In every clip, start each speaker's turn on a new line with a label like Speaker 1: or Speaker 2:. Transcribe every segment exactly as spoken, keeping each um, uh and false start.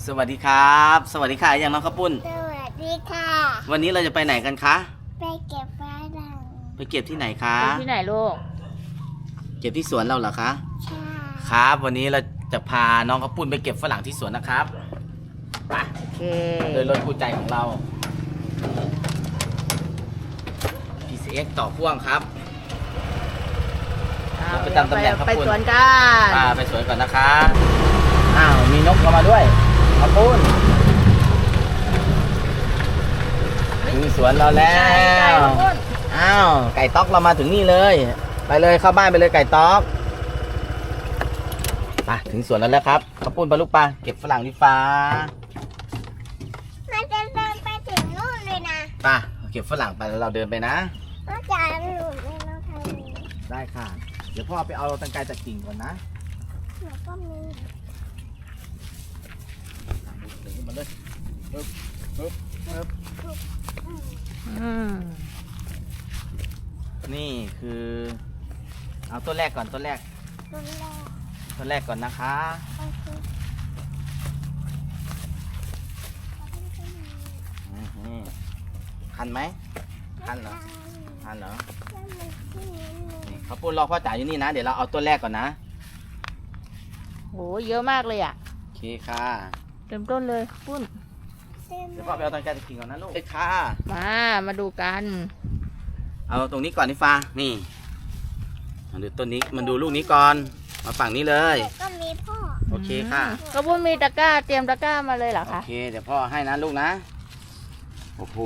Speaker 1: สวัสดีครับสวัสดีค่ะอย่างน้องข้าวปุ้น
Speaker 2: สวัสดีค่ะ
Speaker 1: วันนี้เราจะไปไหนกันคะ
Speaker 2: ไปเก็บฝรั่ง
Speaker 1: ไปเก็บที่ไหนคะ
Speaker 3: ไปที่ไหนลูก
Speaker 1: เก็บที่สวนเราเหรอคะ
Speaker 2: ใช่
Speaker 1: ครับวันนี้เราจะพาน้องข้าวปุ้นไปเก็บฝรั่งที่สวนนะครับไป
Speaker 3: โอเค
Speaker 1: โดยรถคู่ใจของเรา พี ซี เอ็กซ์ ต่อพ่วงครับเราไปตามตำแหน่งข้าวปุ้น
Speaker 3: ไปสวนกัน
Speaker 1: อ่าไปสวนก่อนนะคะอ้าวมีนกเข้ามาด้วยข้าวปุ้นถึงสวนเราแล้วอ้าวไก่ต๊อกเรามาถึงนี่เลยไปเลยเข้าบ้านไปเลยไก่ต๊อกไปถึงสวนแล้วแล้วครับข้าวปุ้นปลาลูกปลาเก็บฝรั่งที่ฟ้า
Speaker 2: มันจะเดินไปถึงนู่นเลยนะ
Speaker 1: ไปเก็บฝรั่งไปแล้วเราเดินไปนะ
Speaker 2: มันจะหลุดเลยนะทางนี้
Speaker 1: ได้ค่ะเดี๋ยวพ่อไปเอาตังไกรจากกิ่งก่อนนะ
Speaker 2: หนูก็มี
Speaker 1: ดึงมันเลยปึ๊บปึ๊บปึ๊บ
Speaker 3: อืม
Speaker 1: นี่คือเอาต้นแรกก่อนต้นแรก
Speaker 2: ต้นแรก
Speaker 1: ต้นแรกก่อนนะคะ
Speaker 2: โอเค
Speaker 1: นี่คันไหมคันเหรอคันเหรอนี่เขาพูดรอพ่อจ๋าอยู่นี่นะเดี๋ยวเราเอาต้นแรกก่อนนะ
Speaker 3: โหเยอะมากเลยอ่ะ
Speaker 1: โอเคค่ะ
Speaker 3: เต็มต้นเลยปุ้น
Speaker 1: เดี๋ยวพ่อไปเอาตังไกรจากกิ่งก่อนนะลูกเอ้ค่ะ
Speaker 3: มามาดูกัน
Speaker 1: เอาตรงนี้ก่อนนี่ฟ้านี่มาดูต้นนี้มันดูลูกนี้ก่อนมาฝั่งนี้เลย
Speaker 2: ก็มีพ่อ
Speaker 1: โอเคค่ะ
Speaker 3: ก็ปุ้นมีตะกร้าเตรียมตะกร้ามาเลยเหรอคะ
Speaker 1: โอเคเดี๋ยวพ่อให้นะลูกนะโอ้โห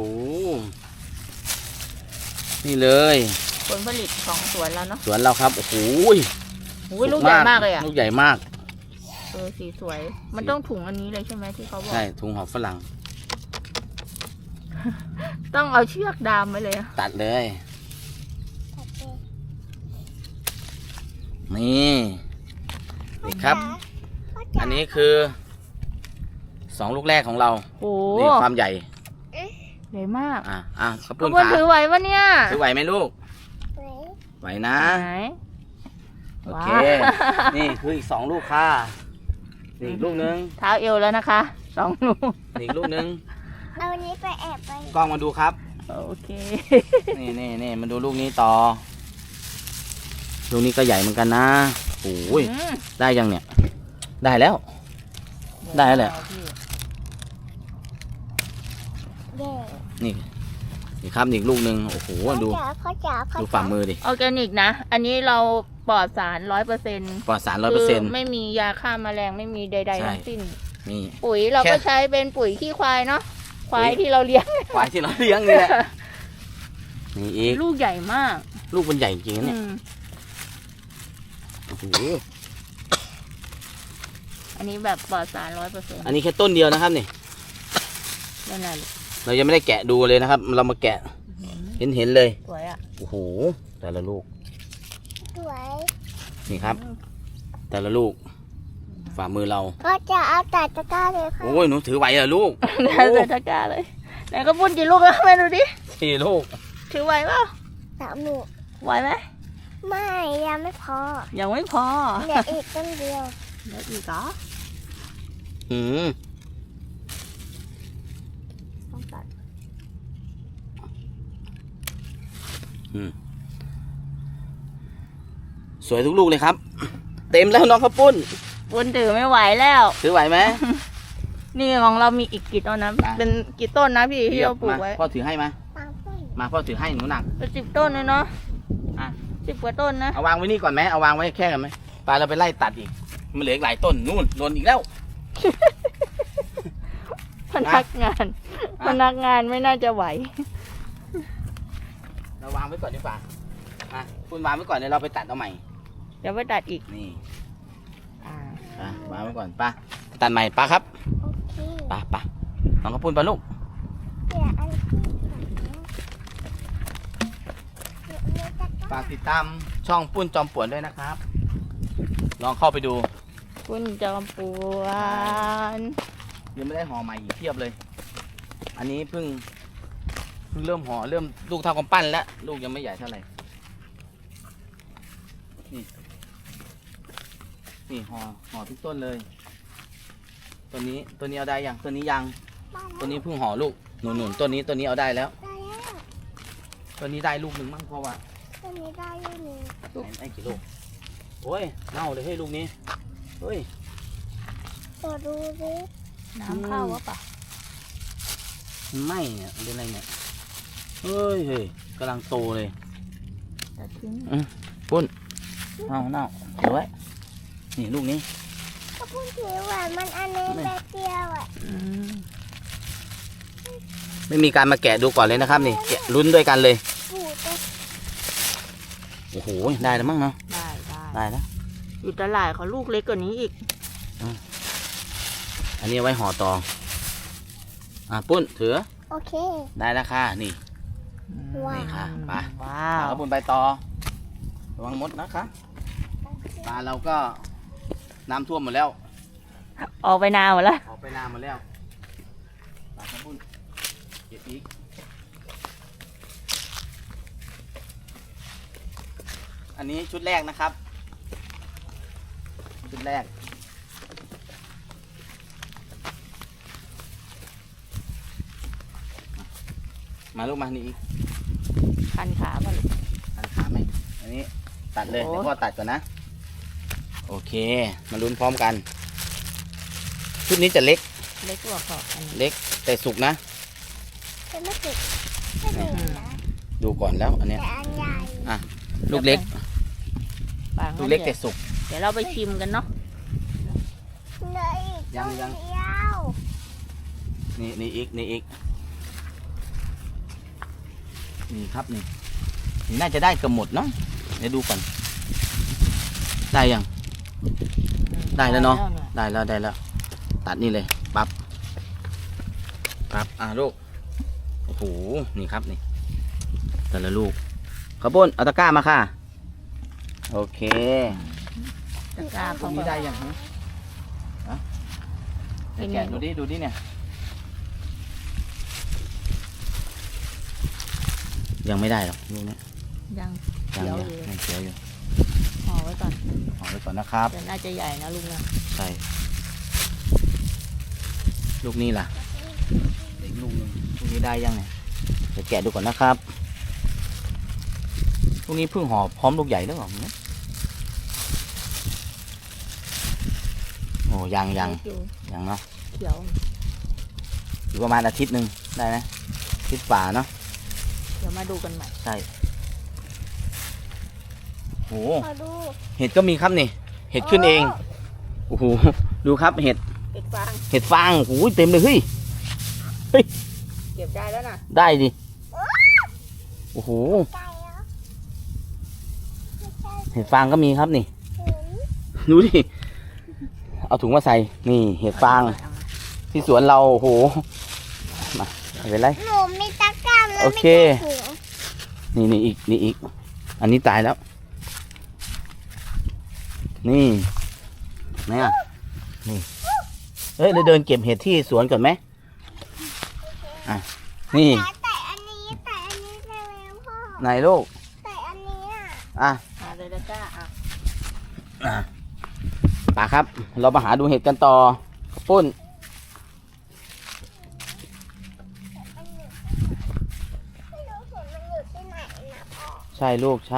Speaker 1: นี่เลย
Speaker 3: ผลผลิตของสวนเราเนาะ
Speaker 1: สวนเราครับโอ้โห
Speaker 3: ลูกใหญ่มากเลยอ่ะ
Speaker 1: ลูกใหญ่มาก
Speaker 3: เออสีสวยมันต้องถุงอันนี้เลยใช่ไหมที่เขาบอก
Speaker 1: ใช่ถุงหอมฝรั่ง
Speaker 3: ต้องเอาเชือกดามไว้เลย
Speaker 1: ตัดเลยนี่นี่ครับอันนี้คือสองลูกแรกของเรา
Speaker 3: โอ้
Speaker 1: นี่ความใหญ่
Speaker 3: ใหญ่มาก
Speaker 1: อ่ะอ่ะขอบคุ
Speaker 3: ณค่ะถือไหวปะเนี่ย
Speaker 1: ถือไหวไหมลูกไหวนะโอเคนี่คืออีกสองลูกค่ะนี่อีกลูกนึง
Speaker 3: เท้าเอวแล้วนะคะสองลูก
Speaker 1: อีกลูกนึง
Speaker 2: เอาวันนี้ไปแอบไป
Speaker 1: กล้องมาดูครับ
Speaker 3: โอเค
Speaker 1: นี่นี่นี่มาดูลูกนี้ต่อลูกนี้ก็ใหญ่เหมือนกันนะโอ้ยได้ยังเนี่ยได้แล้วได้แล้วแหละนี่นี่ครับอีกลูกหนึ่งโอ้โหดูดูฝ่ามือดิ
Speaker 3: ออร์แกนิกนะอันนี้เราปลอดสารร้อยเปอร์เซ็นต์
Speaker 1: ปลอดสารร้อยเปอร์เซ็นต์
Speaker 3: ไม่มียาฆ่าแมลงไม่มีใดๆทั้งสิ้น
Speaker 1: นี่
Speaker 3: ปุ๋ยเราก็ใช้เป็นปุ๋ยขี้ควายเนาะควายที่เราเลี้ยง
Speaker 1: ควายที่เราเลี้ยงนี่แหละนี่อีก
Speaker 3: ลูกใหญ่มาก
Speaker 1: ลูกมันใหญ่จริงๆเนี่ยโอ้โห
Speaker 3: อันนี้แบบปลอดสารร้อยเปอร์เซ็นต์
Speaker 1: อันนี้แค่ต้นเดียวนะครับนี่
Speaker 3: นั่นแหละ
Speaker 1: เรายังไม่ได้แกะดูเลยนะครับ เรามาแกะเห็นเห็นเลย
Speaker 3: สวยอ่ะ
Speaker 1: โอ้โหแต่ละลูก
Speaker 2: สวย
Speaker 1: นี่ครับแต่ละลูกฝ่ามือเรา
Speaker 2: ก็จะเอาแต่ตะกร้าเลยค่ะ
Speaker 1: โอ้ยหนูถือไหวเหรอลูก
Speaker 3: ได้แต่ตะกร้าเลยไหนก็ปุ้นกี่ลูกแล้วแม่ดูดิ
Speaker 1: สี่ลูก
Speaker 3: ถือไหวเปล่า
Speaker 2: สามลูก
Speaker 3: ไหวไหม
Speaker 2: ไม่ยังไม่พอ
Speaker 3: ยังไม่พอ
Speaker 2: เหลืออีกต้นเดียว
Speaker 3: เหลืออีกเหรอ
Speaker 1: อืม
Speaker 3: ต้องตัด
Speaker 1: อืมสวยทุกลูกเลยครับเต็มแล้วน้องข้าวปุ้น
Speaker 3: ปุ้นถือไม่ไหวแล้ว
Speaker 1: ถือไหวไหม
Speaker 3: นี่ของเรามีอีกกี่ต้นนะเป็นกี่ต้นนะพี่ที่เราปลูกไว้
Speaker 1: พ่อถือให้มามาพ่อถือให้หนูหนัก
Speaker 3: เป็นสิบต้นเลยเนาะอ่ะสิบกว่าต้นนะ
Speaker 1: เอาวางไว้นี่ก่อนไหมเอาวางไว้แค่กันไหมปลาเราไปไล่ตัดอีกมันเหลืออีกหลายต้นนู่นโดนอีกแล้ว
Speaker 3: พนักงานพนักงานไม่น่าจะไหว
Speaker 1: เราวางไว้ก่อนดีกว่าอ่ะคุณวางไว้ก่อนเดี๋ยวเราไปตัดเอาใหม่
Speaker 3: เดี๋ยวไปตัดอีก
Speaker 1: นี่อ่าวางไว้ก่อนป้าตัดใหม่ป้าครับป้าป้าน้องกระปุ้นปลาลูกฝากติดตามช่องปุ้นจอมป่วนด้วยนะครับลองเข้าไปดู
Speaker 3: ปุ้นจอมป่วน
Speaker 1: ยังไม่ได้ห่อใหม่อีกเทียบเลยอันนี้เพิ่งเพิ่งเริ่มห่อเริ่มลูกเท่ากำปั้นแล้วลูกยังไม่ใหญ่เท่าไหร่นี่นี่ห่อห่อทุกต้นเลยต้นตัวนี้ตัวนี้เอาได้ยังตัวนี้ยัง
Speaker 2: ได้
Speaker 1: ตัวนี้เพิ่งห่อลูกหนุนหนุนตัวนี้ตัวนี้เอาได้แล้ว
Speaker 2: ได้แล้ว
Speaker 1: ตัวนี้ได้ลูกหนึ่งมั้งเพราะว่า
Speaker 2: ตัวนี้ได้อยู่หนึ่ง
Speaker 1: ได้กี่ลูกโอ้ยเน่าเลยเฮ้ยลูกนี้เฮ้ย
Speaker 2: ตัวดูดิ
Speaker 3: น้ำเข้าวะปะ
Speaker 1: มันไหม้เนี่ยมันเป็นอะไรเนี่ยเฮ้ยเฮ้ยกำลังโตเลย
Speaker 3: จะทิ้ง
Speaker 1: ปุ้นเน่าเน่าเดี๋ยวไว้นี่ลูกนี้
Speaker 2: ก็พูดถึงว่ามันอันนี้แบบเดียวอ่ะ
Speaker 3: อืม
Speaker 1: ไม่มีการมาแกะดูก่อนเลยนะครับนี่แกะลุ้นด้วยกันเลย
Speaker 2: ปูดเลย
Speaker 1: โอ้โหได้แล้วมั้งเนาะ
Speaker 3: ได้ได้
Speaker 1: ได้แล้ว
Speaker 3: อยู่ตลาดเขาลูกเล็กกว่านี้อีก
Speaker 1: อันนี้เอาไว้ห่อตองอ่ะปุ้นถือ
Speaker 2: โอเค
Speaker 1: ได้แล้วค่ะนี่
Speaker 2: ว้าว
Speaker 1: นี่ค่ะไป
Speaker 3: ว้า
Speaker 1: อ่ะ
Speaker 3: ว
Speaker 1: แล้วปุ้นไปต่อระวังมดนะคะปลาเราก็น้ำท่วมหมดแล้ว
Speaker 3: ออกไปนานหมดแล้ว
Speaker 1: ออกไปนาหมดแล้วปลาครับปุ้นเก็บอีกอันนี้ชุดแรกนะครับชุดแรกมาลูกมานี่อีก
Speaker 3: คันขามาลูก
Speaker 1: ตัดขาไหมอันนี้ตัดเลย
Speaker 3: โอ้
Speaker 1: เดี๋ยวพ่อตัดก่อนนะ โอเค มาลุ้นพร้อมกัน ชุดนี้จะเล็ก
Speaker 3: เล็กกว่าขอบอันนี้
Speaker 1: เล็กแต่สุกนะ
Speaker 2: จะไม่ติดไม่ติดนะ
Speaker 1: ดูก่อนแล้วอันเนี้ย
Speaker 2: แต่อันใหญ่
Speaker 1: ลูกเล็ก
Speaker 3: ปาง
Speaker 1: ลูกเล็กแต่สุก
Speaker 3: เดี๋ยวเราไปชิมกันเนาะ
Speaker 2: เลยอีก
Speaker 1: ยังยัง
Speaker 2: ตัวเดียว
Speaker 1: นี่นี่อีกนี่อีก นี่ครับนี่นี่น่าจะได้เกือบหมดเนาะเดี๋ยวดูก่อน ได้ยัง ได้แล้วเนาะ ได้แล้วได้แล้ว ตัดนี่เลยปั๊บปั๊บอ่ะลูก โอ้โห นี่ครับนี่ แต่ละลูกข้าวปุ้นเอาตะกร้ามาค่ะ โอเค
Speaker 3: ตะกร้า
Speaker 1: ตร
Speaker 3: เขา
Speaker 1: งนี้ได้ยังฮะฮะเดี๋ยวแกะดูดิ ดูดิเนี่ย ยังไม่ได้หรอกลูกเนี้ย
Speaker 3: ยัง
Speaker 1: ยัง
Speaker 3: เขียว
Speaker 1: ยัง
Speaker 3: อยู่
Speaker 1: ยังเขียวอยู่
Speaker 3: ห่อไว้ก่อน
Speaker 1: เอาไว้ก่อนนะครับ
Speaker 3: แต่น่าจะใหญ่นะลุงนะ
Speaker 1: ใช่ ลูกนี้ล่ะอีกลูกหนึงลูกนี้ได้ยังเนี่ยเดี๋ยวแกะดูก่อนนะครับ ลูกนี้เพิ่งห่อพร้อมลูกใหญ่หรือเปล่าเนี่ยโอ้ยังยัง
Speaker 3: เล็กอยู่
Speaker 1: ยังเนาะ
Speaker 3: เขียว
Speaker 1: อยู่ประมาณอาทิตย์หนึ่งได้ไหมอาทิตย์ฝ่าเนาะ
Speaker 3: เดี๋ยวมาดูกันใหม่
Speaker 1: ใช่โห
Speaker 2: มาดู
Speaker 1: เห็ดก็มีครับนี่ เห็ดขึ้นเอง โอ้โห ดูครับเห็ด
Speaker 3: เก็บฟาง
Speaker 1: เห็ดฟางโอ้โหเต็มเลยเฮ้ย
Speaker 3: เก็บได้แล้วนะ
Speaker 1: ได้ดิ โอ้โห
Speaker 2: ไก่เหรอไม่ใช่
Speaker 1: เห็ดฟางก็มีครับนี่
Speaker 2: ถุง
Speaker 1: ดูดิ เอาถุงมาใส่ นี่ เห็ดฟาง ที่สวนเรา โอ้โห มาไม่เป็นไร
Speaker 2: หนูมีตะกร้าแล้ว
Speaker 1: โอ
Speaker 2: ไม่
Speaker 1: เค
Speaker 2: ใช่ถุง
Speaker 1: นี่นี่อีก นี่อีก อันนี้ตายแล้ว นี่ไหนอ่ะ นี่ เฮ้ยเราเดินเก็บเห็ดที่สวนก่อนไหมอ่ะ นี่
Speaker 2: แต่อันนี้แต่อันนี้ได้แล้วพ่อ
Speaker 1: ไหนลูก
Speaker 2: แต่อันนี้อ่ะ
Speaker 1: อ่ะ
Speaker 3: หาเลยตะกร้าอ่ะ
Speaker 1: อ่ะป่าครับ เรามาหาดูเห็ดกันต่อปุ้น
Speaker 2: อันนี้ไม่รู้เห็นมันอยู่ที่ไหนนะพ่อ
Speaker 1: ใช่ลูกใช่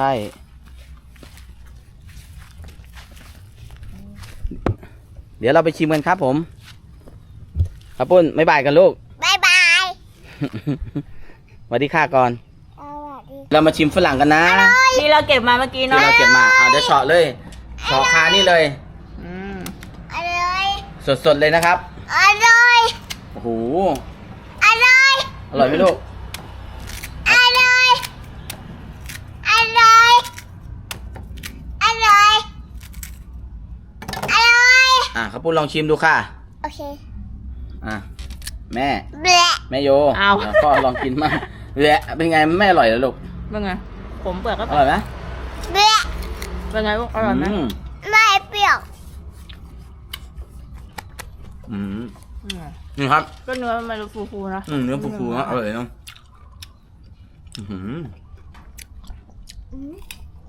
Speaker 1: เดี๋ยวเราไปชิมกันครับผมครับปุ้นไม่บายกันลูก
Speaker 2: บายบาย
Speaker 1: สวัสดีค่ะก่อน
Speaker 2: สวัสดี
Speaker 1: เรามาชิมฝรั่งกันนะ
Speaker 3: ที่เราเก็บมาเมื่อกี้
Speaker 1: ที่
Speaker 3: เนาะ
Speaker 1: เราเก็บมาอ่ะเดี๋ยวเฉาะเลยเฉาะคานี่เลย
Speaker 3: อืม
Speaker 2: อร่อย
Speaker 1: สดๆเลยนะครับ
Speaker 2: อร่อย
Speaker 1: โอ้โห
Speaker 2: อร่อย
Speaker 1: อร่อยไหมลูก
Speaker 2: อร่อย อร่อย อร่อย อร่อย
Speaker 1: อ่ะครับปุ้นลองชิมดูค่ะ
Speaker 2: โอเค
Speaker 1: อ่ะแม่
Speaker 2: เบะ
Speaker 1: แม่โย
Speaker 3: เอา
Speaker 1: ดี๋ยวพ่อลองกินมั่งแหละเป็นไงไม่อร่อยเหรอลูก
Speaker 3: เป็นไงผมเปลือกก็
Speaker 1: อร่อยไหม
Speaker 2: เบะ
Speaker 3: เป็นไงลูกอร่อยไหม
Speaker 1: อืม
Speaker 2: ไม่เปรี้ยว
Speaker 1: อืม
Speaker 3: อืม
Speaker 1: นี่ครับ
Speaker 3: ก็เนื้อมันฟูๆนะ
Speaker 1: อืมเนื้อฟูๆนะอร่อยเนาะอื้อหือ
Speaker 2: อืม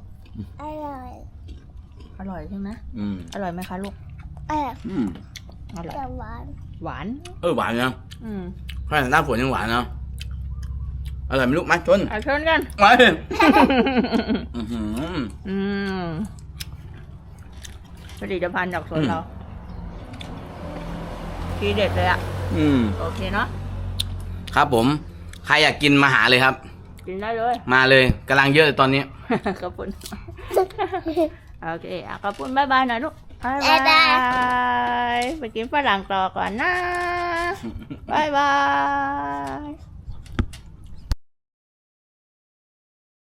Speaker 2: อร่อย
Speaker 3: อร่อยใช่ไหม
Speaker 1: อืม
Speaker 3: อร่อยไหมคะลูก
Speaker 2: เออ
Speaker 1: อืม
Speaker 3: อร่อย
Speaker 2: จะหวาน
Speaker 3: หวาน
Speaker 1: เออหวานนะ
Speaker 3: อืม
Speaker 1: ขนาดหน้าฝนยังหวานเนาะอร่อยไหมลูกมาชน
Speaker 3: เอาชนกัน
Speaker 1: มาอื้อหือ
Speaker 3: อืมผลิตภัณฑ์จากสวน
Speaker 1: อืม
Speaker 3: เราทีเด็ดเลยอ่ะ
Speaker 1: อืม
Speaker 3: โอเคเนาะ
Speaker 1: ครับผมใครอยากกินมาหาเลยครับ
Speaker 3: กินได้เลย
Speaker 1: มาเลยกำลังเยอะเลยตอนนี้
Speaker 3: ขอบคุณ โอเคอ่ะขอบคุณบ๊ายบายหน่อยลูกบ๊าย
Speaker 2: บ๊ายบา
Speaker 3: บาย ไปกินฝรั่งต่อก่อนนะ บ๊ายบาย